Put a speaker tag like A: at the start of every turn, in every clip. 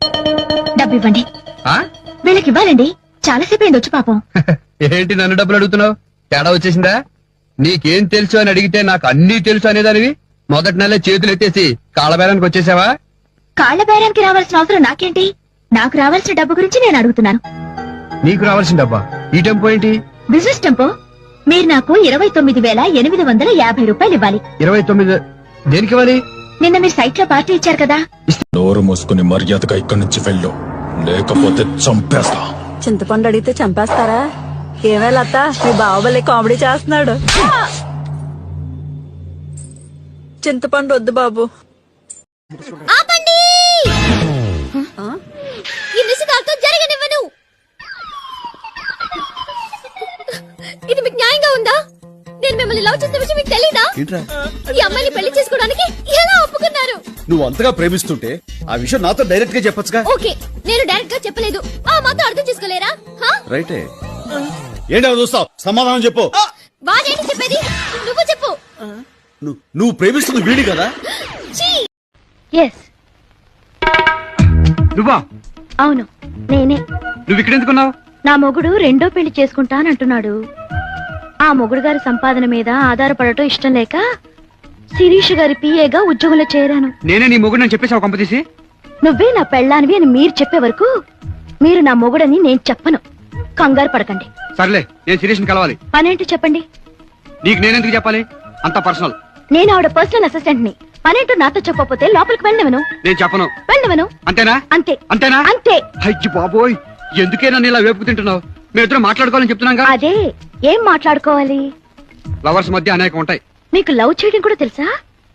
A: డబ్బు ఇవ్వండి.
B: ఆ?
A: వీళ్ళకి ఇవ్వాలండి. చాలాసేపు అయింది వచ్చి పాపం.
B: ఏంటి నన్ను డబ్బులు అడుగుతున్నావు? తేడా వచ్చేసిందా? నీకేం తెలుసు అని అడిగితే నాకు అన్నీ తెలుసు అనేదానివి మొదటి నెల చేతులు ఎత్తేసి కాళ్ళబేరానికి వచ్చేసావా?
A: కాళ్ల బేరానికి రావాల్సిన అవసరం నాకేంటి? నాకు రావాల్సిన డబ్బు గురించి నేను అడుగుతున్నాను.
B: నీకు రావాల్సిన డబ్బా? ఈ టెంపో ఏంటి?
A: Business tempo. మీరు నాకు 29,850 రూపాయలు ఇవ్వాలి.
B: 29 దేనికి ఇవ్వాలి?
A: నిన్న మీరు సైట్ లో పార్టీ ఇచ్చారు కదా.
C: నోరు మూసుకుని మర్యాదగా ఇక్కడి నుంచి వెళ్ళు, లేకపోతే చంపేస్తా.
D: చింతపండు అడిగితే చంపేస్తారా? ఏమే లత, మీ బావబలే కామెడీ చేస్తున్నాడు. చింతపండు వద్దు బాబు.
A: ఆపండి! ఈ నిశ్చితార్థం జరగనివ్వను. ఇది మీకు న్యాయంగా ఉందా? నేను మిమ్మల్ని లవ్ చేసిన విషయం మీకు తెలీదా? ఈ అమ్మాయిని పెళ్లి చేసుకోవడానికి ఎలా ఒప్పుకున్నారు?
E: నువ్వు అంతగా ప్రేమిస్తుంటే ఆ విషయం నాతో డైరెక్ట్ గా చెప్పొచ్చుగా.
A: ఓకే, నేను డైరెక్ట్ గా చెప్పలేదు. ఆ మాత్రం అర్థం చేసుకోలేరా?
E: రైటే. ఏంటో చూస్తావు, సమాధానం చెప్పు.
A: వాడేంటి చెప్పేది? నువ్వు చెప్పు.
E: నువ్వు ప్రేమిస్తుంది వీడి కదా?
A: ఎస్,
B: నువ్వా?
A: అవును నేనే.
B: నువ్వు ఇక్కడ ఎందుకున్నావు?
A: నా మొగుడు రెండో పెళ్లి చేసుకుంటానంటున్నాడు. ఆ మొగుడు గారి సంపాదన మీద ఆధారపడటం ఇష్టం లేక శిరీష్ గారి పిఏగా ఉద్యోగంలో చేరాను.
B: నేనే నీ మొగుడు అని చెప్పేసావు కంపతీసి.
A: నువ్వే నా పెళ్ళానివి అని మీరు చెప్పే వరకు మీరు నా మొగుడని నేను చెప్పను. కంగారు పడకండి.
B: సర్లే, నేను శిరీష్ని కలవాలి.
A: పనేంటో చెప్పండి.
B: నీకు నేనెందుకు చెప్పాలి? అంత పర్సనల్.
A: నేను ఆవిడ పర్సనల్ అసిస్టెంట్ ని. పనేంటో నాతో చెప్పకపోతే లోపలికి వెళ్ళనివను.
B: నేను చెప్పను.
A: వెళ్ళనివను.
B: అంతేనా?
A: అంతే.
B: అంతేనా?
A: అంతే.
B: అయ్యి బాబోయ్, ఎందుకే నన్ను ఇలా వేపుకు తింటున్నావు? మేమిద్దరం మాట్లాడుకోవాలని చెప్తున్నాగా.
A: అదే, ఏం మాట్లాడుకోవాలి?
B: లవర్స్ మధ్య అనేకం ఉంటాయి.
A: మీకు లవ్ చేయడం కూడా తెలుసా?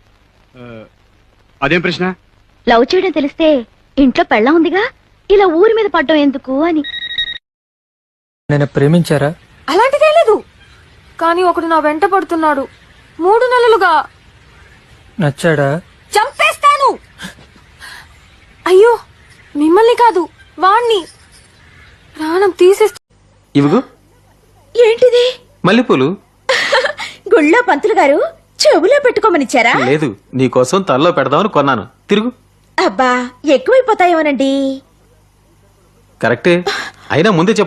B: అదేం ప్రశ్న?
A: లవ్ చేయడం తెలిస్తే ఇంట్లో పెళ్ళం ఉందిగా, ఇలా ఊరి మీద పడ్డం ఎందుకు అని.
F: నేను ప్రేమించారా?
G: అలాంటిదే లేదు, కానీ ఒకడు నా వెంట పడుతున్నాడు 3 నెలలుగా.
F: నచ్చాడా?
G: చంపేస్తాను. అయ్యో, మిమ్మల్ని కాదు వాణ్ణి. ప్రాణం తీసేస్తా.
H: ఇవిగో.
A: ఏంటిది?
H: మల్లెపూలు.
A: గుళ్ళో పంతులు గారు చెవులో పెట్టుకోమనిచ్చారా?
H: లేదు, నీకోసం తలలో పెడదామని కొన్నాను. తిరుగు.
A: అబ్బా, ఎక్కువైపోతాయేమోనండి.
H: కరెక్టే, అయినా ముందే